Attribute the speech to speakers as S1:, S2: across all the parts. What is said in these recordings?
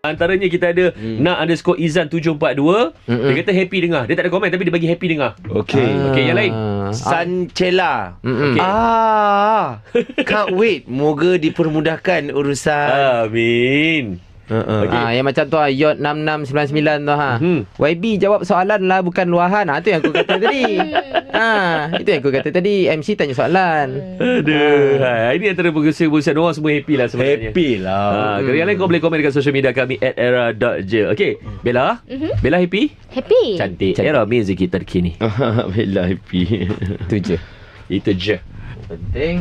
S1: Antaranya kita ada nak_Izan742. Dia kata happy dengar. Dia tak ada komen tapi dia bagi happy dengar.
S2: Okey.
S1: Okey, yang lain.
S2: Sancela.
S1: Okey.
S2: Can't wait. Moga dipermudahkan urusan.
S1: Amin.
S3: Yang macam tu Yot 6699 tu YB jawab soalan lah, bukan luahan. Tu yang aku kata tadi. Itu yang aku kata tadi. MC tanya soalan.
S1: Aduh. Ini antara pengurusan orang semua happy lah sebenarnya.
S2: Happy lah.
S1: Kalau yang lain kau boleh komen dekat social media kami @era.je. Okey, Bella. Bella happy?
S4: Happy.
S1: Cantik. Era music kita terkini.
S2: Bella happy.
S3: Itu je.
S1: Itu je.
S3: Penting.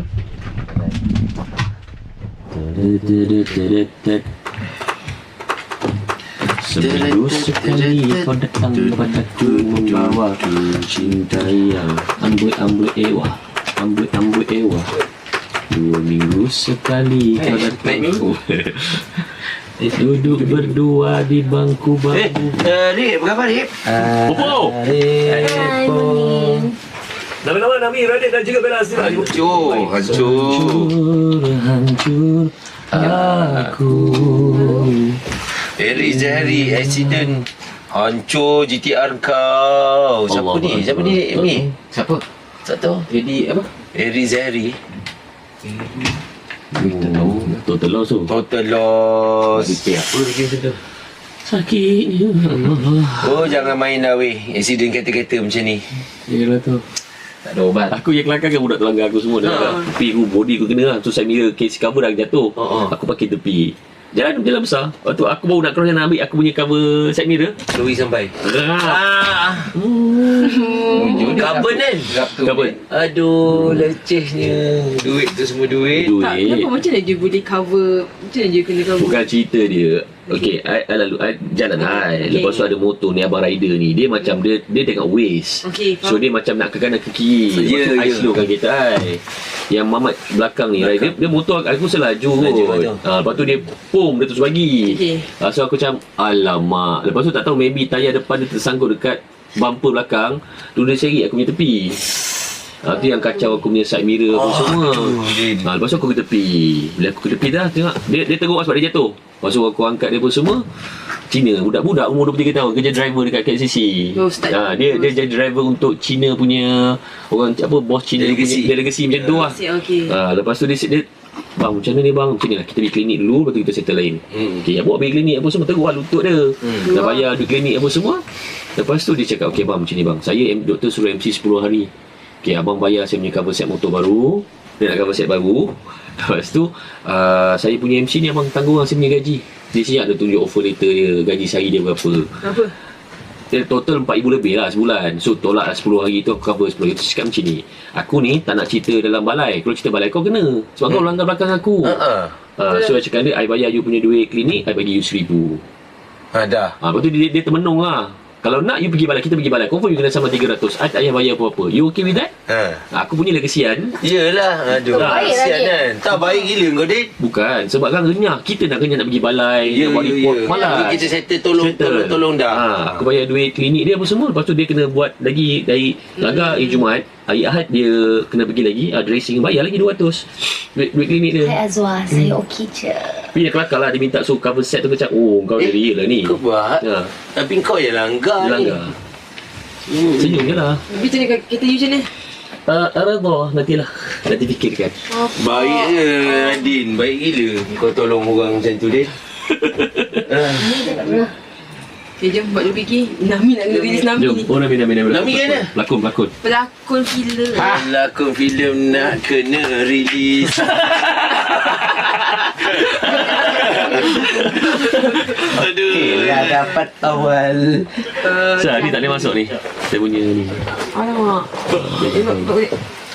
S1: Seminggu sekali kau datang padaku membawa cinta yang amboi ewa. 2 minggu sekali kau datang. Duduk berdua di bangku.
S2: Rip, berapa Rip?
S1: Popo. Nama-nama Nami, Radit dan juga Bella Asli.
S2: Hancur
S1: aku.
S2: Zahri accident. Hancur GTR kau. Siapa ni? Ni?
S3: Siapa?
S2: Tak tahu.
S3: Jadi apa?
S2: Zahri.
S1: Kita tahu total loss tu.
S2: Total loss.
S1: Apa lagi macam tu? Sakitnya.
S2: Oh, jangan main dah weh. Accident kereta-kereta macam ni.
S1: Yelah tu.
S3: Tak ada obat.
S1: Aku yang kelakar kan budak telanggar aku semua dah. Tepi aku, body aku kena lah. So side mirror, case cover dah jatuh. Aku pakai tepi. Jalan besar. Lepas tu aku baru nak cross nak ambil aku punya cover side mirror.
S2: Lui sampai. Carbon kan?
S1: Carbon.
S2: Aduh, lecehnya. Duit tu semua duit.
S5: Tak, kenapa macam mana dia boleh cover? Macam mana dia kena cover?
S1: Bukan cerita dia. Okey, I jalan lepas tu ada motor ni, abang rider ni. Dia macam dia tengok waste. So dia macam nak ke kanan ke kiri. Lepas tu I slowkan kereta I. Yang Mamat belakang ni rider, dia motor aku selaju kot. Lepas tu dia dia terus bagi. So aku macam alamak. Lepas tu tak tahu maybe tayar depan dia tersangkut dekat bumper belakang. Tu dia seret aku punya tepi. Tu yang kacau aku punya side mirror apa semua. Lepas tu aku ke tepi. Bila aku ke tepi dah tengok dia teruk sebab dia jatuh. Lepas tu aku angkat dia pun semua. Cina, budak-budak umur 23 tahun kerja driver dekat KCC. Dia jadi driver untuk Cina punya orang apa, bos Cina punya delegasi macam tu lah. Lepas tu dia bang macam mana ni bang? Macam ni lah, kita pergi klinik dulu, lepas tu kita settle lain. Okay, abang pergi klinik apa semua, teruk lah lutut dia. Dah bayar duit klinik apa semua. Lepas tu dia cakap, okay bang macam ni bang, saya doktor suruh MC 10 hari. Okay, abang bayar saya punya cover set motor baru. Dia nak cover set baru. Lepas tu saya punya MC ni abang tanggung lah saya punya gaji. Dia siap dia tunjuk offer letter dia, gaji sehari dia berapa. Dia total 4,000 lebih lah sebulan. So tolak lah 10 hari tu aku cover 10 hari. Tu cakap macam ni, aku ni tak nak cerita dalam balai. Kalau cerita balai kau kena, sebab kau langgar belakang aku. So I cakap dia, I bayar you punya duit klinik, I bagi you 1,000.
S2: Dah.
S1: Lepas tu dia termenung lah. Kalau nak you pergi balai, kita pergi balai, confirm you kena sama 300. I tak payah bayar apa-apa. You okay with that? Aku punya lah kesian.
S2: Yelah. Aduh, kesian kan. Tak baik gila kau Dit.
S1: Bukan, sebab kan renyah. Kita nak kenyang nak pergi balai, nak buat report, malas.
S2: Kita settle tolong dah.
S1: Aku bayar duit klinik dia apa semua. Lepas tu dia kena buat lagi dari Laga Jumaat, hari Ahad dia kena pergi lagi dressing, bayar lagi 200 duit klinik dia.
S4: Hai Azwar, saya okey je.
S1: Tapi dia kelakar lah, dia minta suruh cover set tu macam kau dia real lah ni.
S2: Kau buat? Tapi kau yang langgar ni.
S1: Senyum je lah.
S5: Tapi macam ni kita you macam ni?
S1: Arabah, nantilah. Nanti fikirkan.
S2: Baik je Radin, baik gila kau tolong orang macam tu Din.
S5: Okay, jom buat dulu fikir. Nami nak kena release Nami ni.
S1: Jom, Nami
S2: Nami kan mana?
S1: Pelakon
S5: Pelakon filem.
S2: Pelakon filem nak kena release. Aduh.
S3: Dah dapat awal.
S1: Ni tak boleh masuk ni. Saya punya ni.
S5: Alamak.